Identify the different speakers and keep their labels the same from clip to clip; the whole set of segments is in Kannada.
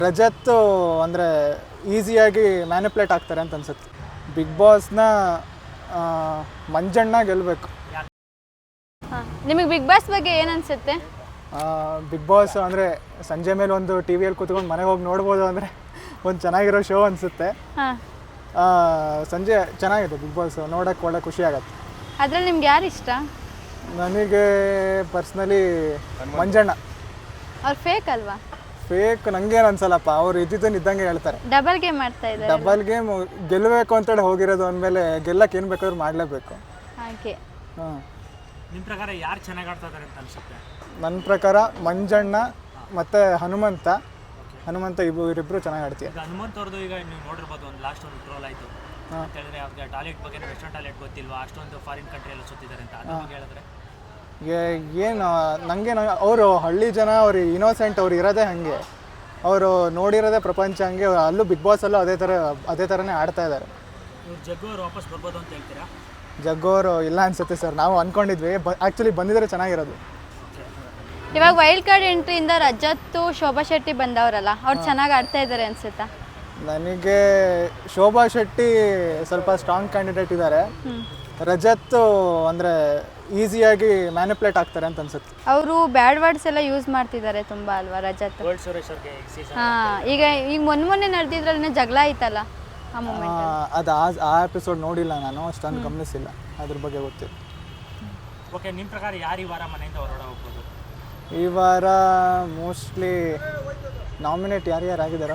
Speaker 1: ರಜತ್ ಅಂದರೆ ಈಸಿಯಾಗಿ ಮ್ಯಾನಿಪ್ಯುಲೇಟ್ ಆಗ್ತಾರೆ ಅಂತ ಅನ್ಸುತ್ತೆ. ಬಿಗ್ ಬಾಸ್ನ ಮಂಜಣ್ಣ ಗೆಲ್ಲಬೇಕು.
Speaker 2: ನಿಮಗೆ ಬಿಗ್ ಬಾಸ್ ಬಗ್ಗೆ ಏನು ಅನಿಸುತ್ತೆ?
Speaker 1: ಬಿಗ್ ಬಾಸ್ ಅಂದರೆ ಸಂಜೆ ಮೇಲೆ ಒಂದು ಟಿ ವಿಯಲ್ಲಿ ಕೂತ್ಕೊಂಡು ಮನೆಗೆ ಹೋಗಿ ನೋಡ್ಬೋದು ಅಂದರೆ ಒಂದು ಚೆನ್ನಾಗಿರೋ ಶೋ ಅನಿಸುತ್ತೆ. ಸಂಜೆ ಚೆನ್ನಾಗಿದೆ ಬಿಗ್ ಬಾಸ್, ನೋಡೋಕ್ಕೆ ಒಳ್ಳೆ ಖುಷಿ ಆಗುತ್ತೆ.
Speaker 2: ಅದ್ರಲ್ಲಿ ನಿಮ್ಗೆ ಯಾರು ಇಷ್ಟ?
Speaker 1: ನನಗೆ ಪರ್ಸ್ನಲಿ ಮಂಜಣ್ಣ.
Speaker 2: ಅವ್ರು ಫೇಕ್ ಅಲ್ವಾ?
Speaker 1: ಫೇಕ್ ನಂಗೇನು ಅನ್ಸಲ್ಲಪ್ಪ, ಅವ್ರು ಇದ್ದಿದ್ದನ್ನು ಇದ್ದಂಗೆ ಹೇಳ್ತಾರೆ.
Speaker 2: ಡಬಲ್ ಗೇಮ್ ಮಾಡ್ತಾ ಇದ್ದಾರೆ.
Speaker 1: ಡಬಲ್ ಗೇಮ್ ಗೆಲ್ಲಬೇಕು ಅಂತೇಳಿ ಹೋಗಿರೋದು ಅಂದಮೇಲೆ ಗೆಲ್ಲಕ್ಕೆ ಏನು ಬೇಕಾದ್ರೂ ಮಾಡಲೇಬೇಕು.
Speaker 2: ಹಾಗೆ
Speaker 3: ನಿಮ್ಮ ಪ್ರಕಾರ ಯಾರು ಚೆನ್ನಾಗಿ ಆಡ್ತಾ ಇದ್ದಾರೆ ಅಂತ ಅನ್ಸುತ್ತೆ?
Speaker 1: ನನ್ನ ಪ್ರಕಾರ ಮಂಜಣ್ಣ ಮತ್ತು ಹನುಮಂತ ಇವರಿಬ್ಬರು ಚೆನ್ನಾಗಿ ಆಡ್ತೀವಿ.
Speaker 3: ಹನುಮಂತ್ ಅವ್ರದ್ದು ಈಗ ನೀವು ನೋಡಿರ್ಬೋದು, ಒಂದು ಲಾಸ್ಟ್ ಒಂದು ಟ್ರೋಲ್ ಆಯಿತು ಅಂತ ಹೇಳಿದ್ರೆ ಅವ್ರಿಗೆ ಟಾಯ್ಲೆಟ್ ಬಗ್ಗೆ ವೆಸ್ಟರ್ನ್ ಟಾಯ್ಲೆಟ್ ಗೊತ್ತಿಲ್ವಾ, ಅಷ್ಟೊಂದು ಫಾರಿನ್ ಕಂಟ್ರಿ ಎಲ್ಲ ಸುತ್ತಿದ್ದಾರೆ ಅಂತ ಅದ್ರ ಬಗ್ಗೆ ಹೇಳಿದ್ರೆ
Speaker 1: ಏನು ನನಗೆ ಅವರು ಹಳ್ಳಿ ಜನ, ಅವ್ರು ಇನೋಸೆಂಟ್, ಅವ್ರು ಇರೋದೇ ಹಾಗೆ, ಅವರು ನೋಡಿರೋದೇ ಪ್ರಪಂಚ ಹಂಗೆ. ಅಲ್ಲೂ ಬಿಗ್ ಬಾಸಲ್ಲೂ ಅದೇ ಥರನೇ ಆಡ್ತಾ ಇದ್ದಾರೆ.
Speaker 3: ಇವ್ರು ಜಗ್ಗು ಅವ್ರು ವಾಪಸ್ ಬರ್ಬೋದು ಅಂತ ಹೇಳ್ತೀರಾ?
Speaker 1: ಜಗ್ಗೋರು ಇಲ್ಲ ಅನ್ಸುತ್ತೆ ಸರ್, ನಾವು ಅಂದ್ಕೊಂಡಿದ್ವಿ. ಆ್ಯಕ್ಚುಲಿ ಬಂದಿದ್ರೆ ಚೆನ್ನಾಗಿರೋದು.
Speaker 2: ಇವಾಗ ವೈಲ್ಡ್ ಕಾರ್ಡ್ ಎಂಟ್ರಿಯಿಂದ ರಜತ್, ಶೋಭಾ ಶೆಟ್ಟಿ ಬಂದವರಲ್ಲ, ಅವ್ರು ಚೆನ್ನಾಗಿ ಆಡ್ತಾ ಇದ್ದಾರೆ ಅನ್ಸುತ್ತಾ?
Speaker 1: ನನಗೆ ಶೋಭಾ ಶೆಟ್ಟಿ ಸ್ವಲ್ಪ ಸ್ಟ್ರಾಂಗ್ ಕ್ಯಾಂಡಿಡೇಟ್ ಇದ್ದಾರೆ. ರಜತ್ ಅಂದರೆ ಈಸಿಯಾಗಿ ಮ್ಯಾನಿಪ್ಯುಲೇಟ್ ಆಗ್ತಾರೆ ಅಂತ ಅನ್ಸುತ್ತೆ.
Speaker 2: ಅವರು ಬ್ಯಾಡ್ ವರ್ಡ್ಸ್ ಎಲ್ಲ ಯೂಸ್ ಮಾಡ್ತಿದ್ದಾರೆ ತುಂಬ ಅಲ್ವಾ ರಜತ್? ಈಗ ಮೊನ್ನೆ ನಡೆದಿದ್ರಲ್ಲಿ ಜಗಳ ಆಯ್ತಲ್ಲ,
Speaker 1: ಅದು ಆ ಎಪಿಸೋಡ್ ನೋಡಿಲ್ಲ ನಾನು, ಅಷ್ಟೊಂದು ಗಮನಿಸಿಲ್ಲ, ಅದ್ರ ಬಗ್ಗೆ ಗೊತ್ತಿಲ್ಲ.
Speaker 3: ಓಕೆ, ನಿಮ್ಮ ಪ್ರಕಾರ ಯಾರು ಈ ವಾರ ಮನೆಯಿಂದ ಹೊರಗಡೆ ಹೋಗ್ಬೋದು?
Speaker 1: ಈ ವಾರ ಮೋಸ್ಟ್ಲಿ ನಾಮಿನೇಟ್ ಯಾರ್ಯಾರು ಆಗಿದಾರೋ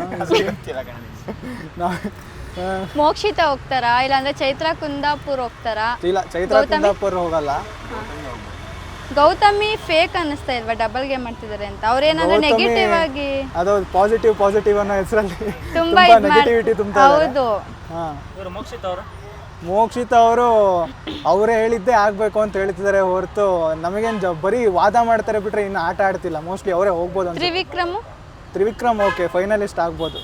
Speaker 2: ಮೋಕ್ಷಿತಾ ಹೋಗ್ತಾರಾ, ಇಲ್ಲಾಂದ್ರೆ ಚೈತ್ರ ಕುಂದಾಪುರ್ ಹೋಗ್ತಾರಾ?
Speaker 1: ಇಲ್ಲ, ಚೈತ್ರ ಕುಂದಾಪುರ್ ಹೋಗಲ್ಲ.
Speaker 2: ಗೌತಮಿ ಫೇಕ್ ಅನ್ನಿಸ್ತಾ ಇಲ್ವಾ, ಡಬಲ್ ಗೇಮ್ ಮಾಡ್ತಿದ್ದಾರೆ ಅಂತ? ಅವ್ರೇನಾದ್ರೂ ನೆಗೆಟಿವ್ ಆಗಿ,
Speaker 1: ಅದು ಪಾಸಿಟಿವ್ ಅನ್ನೋ ಹೆಸರಲ್ಲಿ
Speaker 2: ತುಂಬಾ
Speaker 1: ನೆಗೆಟಿವಿಟಿ ತುಂಬಾ.
Speaker 2: ಹೌದು.
Speaker 1: ಮೋಕ್ಷಿತಾ ಅವರು ಅವರೇ ಹೇಳಿದ್ದೇ ಆಗಬೇಕು ಅಂತ ಹೇಳ್ತಿದ್ದಾರೆ ಹೊರತು ನಮಗೇನು ಬರೀ ವಾದ ಮಾಡ್ತಾರೆ ಬಿಟ್ರೆ ಇನ್ನು ಆಟ ಆಡ್ತಿಲ್ಲ. ಮೋಸ್ಟ್ಲಿ ಅವರೇ ಹೋಗ್ಬೋದು ಅಂತ. ತ್ರಿವಿಕ್ರಮ್ ಓಕೆ, ಫೈನಲಿಸ್ಟ್ ಆಗ್ಬೋದು.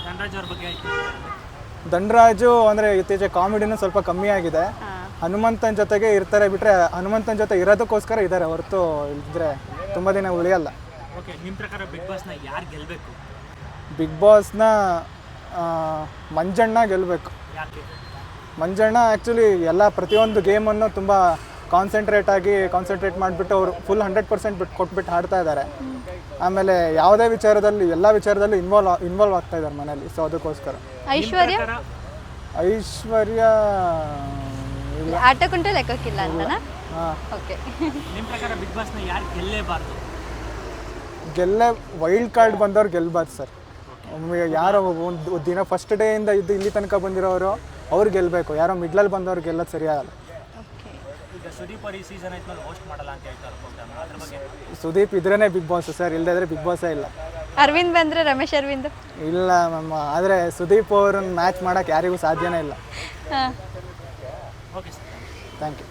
Speaker 1: ಧನರಾಜು ಅಂದರೆ ಇತ್ತೀಚೆಗೆ ಕಾಮಿಡಿನೂ ಸ್ವಲ್ಪ ಕಮ್ಮಿ ಆಗಿದೆ. ಹನುಮಂತನ ಜೊತೆಗೆ ಇರ್ತಾರೆ ಬಿಟ್ರೆ, ಹನುಮಂತನ ಜೊತೆ ಇರೋದಕ್ಕೋಸ್ಕರ ಇದ್ದಾರೆ ಹೊರತು ಇದ್ರೆ ತುಂಬ ದಿನ ಉಳಿಯಲ್ಲ.
Speaker 3: ಓಕೆ, ನಿಮ್ಮ ಪ್ರಕಾರ ಬಿಗ್ ಬಾಸ್ನ ಯಾರು ಗೆಲ್ಲಬೇಕು?
Speaker 1: ಬಿಗ್ ಬಾಸ್ನ ಮಂಜಣ್ಣ ಗೆಲ್ಲಬೇಕು.
Speaker 3: ಯಾಕೆ?
Speaker 1: ಮಂಜಣ್ಣ ಆ್ಯಕ್ಚುಲಿ ಪ್ರತಿಯೊಂದು ಗೇಮನ್ನು ತುಂಬ ಕಾನ್ಸಂಟ್ರೇಟ್ ಮಾಡಿಬಿಟ್ಟು ಅವರು ಫುಲ್ 100% ಕೊಟ್ಬಿಟ್ಟು ಆಡ್ತಾ ಇದ್ದಾರೆ. ಆಮೇಲೆ ಯಾವುದೇ ವಿಚಾರದಲ್ಲಿ ಎಲ್ಲ ವಿಚಾರದಲ್ಲೂ ಇನ್ವಾಲ್ವ್ ಆಗ್ತಾ ಇದ್ದಾರೆ ಮನೇಲಿ. ಸೊ ಅದಕ್ಕೋಸ್ಕರ
Speaker 2: ಐಶ್ವರ್ಯ ಆಟಕ್ಕುಂಟು ಲೆಕ್ಕಕ್ಕಿಲ್ಲ ಅಂತನಾ? ಓಕೆ,
Speaker 3: ನಿಮ್ಮ ಪ್ರಕಾರ ಬಿಗ್ ಬಾಸ್ನ ಯಾರು ಗೆಲ್ಲೇಬಾರ್ದು?
Speaker 1: ವೈಲ್ಡ್ ಕಾರ್ಡ್ ಬಂದವ್ರು ಗೆಲ್ಲಬಾರ್ದು ಸರ್. ಯಾರೋ ಒಂದು ದಿನ ಫಸ್ಟ್ ಡೇಯಿಂದ ಇಲ್ಲಿ ತನಕ ಬಂದಿರೋರು ಅವ್ರು ಗೆಲ್ಲಬೇಕು. ಯಾರೋ ಮಿಡ್ಲಲ್ಲಿ ಬಂದವ್ರು ಗೆಲ್ಲೋದು ಸರಿಯಾಗಲ್ಲ.
Speaker 3: ಈಗ ಸುದೀಪ್ ಅವರು ಈ ಸೀಸನ್ ಆಯ್ತು ಹೋಸ್ಟ್ ಮಾಡಲ್ಲ ಅಂತ ಹೇಳ್ತಾರೆ. ಅದ್ರ ಬಗ್ಗೆ
Speaker 1: ಸುದೀಪ್ ಇದ್ರೇ ಬಿಗ್ ಬಾಸ್ ಸರ್, ಇಲ್ಲದೇ ಬಿಗ್ ಬಾಸೇ ಇಲ್ಲ.
Speaker 2: ಅರವಿಂದ್ ಬಂದರೆ ರಮೇಶ್ ಅರವಿಂದ್
Speaker 1: ಇಲ್ಲ ಮ್ಯಾಮ್, ಆದರೆ ಸುದೀಪ್ ಅವ್ರನ್ನ ಮ್ಯಾಚ್ ಮಾಡೋಕ್ಕೆ ಯಾರಿಗೂ ಸಾಧ್ಯನೇ ಇಲ್ಲ.
Speaker 3: Okay sir,
Speaker 1: thank you.